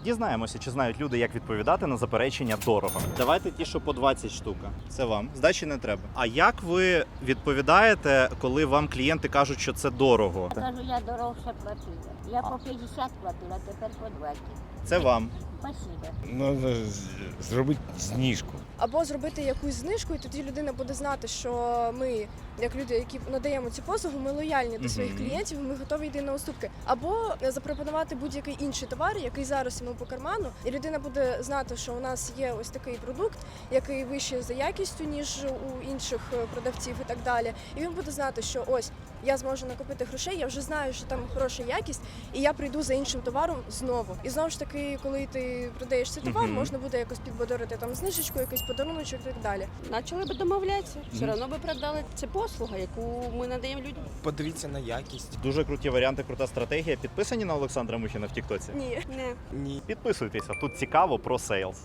Дізнаємося, чи знають люди, як відповідати на заперечення дорого. Давайте ті, що по 20 штука. Це вам. Здачі не треба. А як ви відповідаєте, коли вам клієнти кажуть, що це дорого? Кажу, я дорожче платила. Я по 50 платила, тепер по 20. Це вам. Спасибо. Треба зробити знижку. Або зробити якусь знижку, і тоді людина буде знати, що ми, як люди, які надаємо ці послуги, ми лояльні до своїх клієнтів, ми готові йти на уступки. Або запропонувати будь-який інший товар, який зараз йому по карману, і людина буде знати, що у нас є ось такий продукт, який вищий за якістю, ніж у інших продавців і так далі. І він буде знати, що ось я зможу накопити грошей, я вже знаю, що там хороша якість, і я прийду за іншим товаром знову. І знову ж таки, коли ти продаєш цей товар, можна буде якось підбадорити там знижечку, якийсь подаруночок і так далі. Почали би домовлятися. Все одно би продали. Це послуга, яку ми надаємо людям. Подивіться на якість. Дуже круті варіанти, крута стратегія. Підписані на Олександра Мухіна в Тіктоці? Ні. Не. Ні. Підписуйтеся, тут цікаво про сейлс.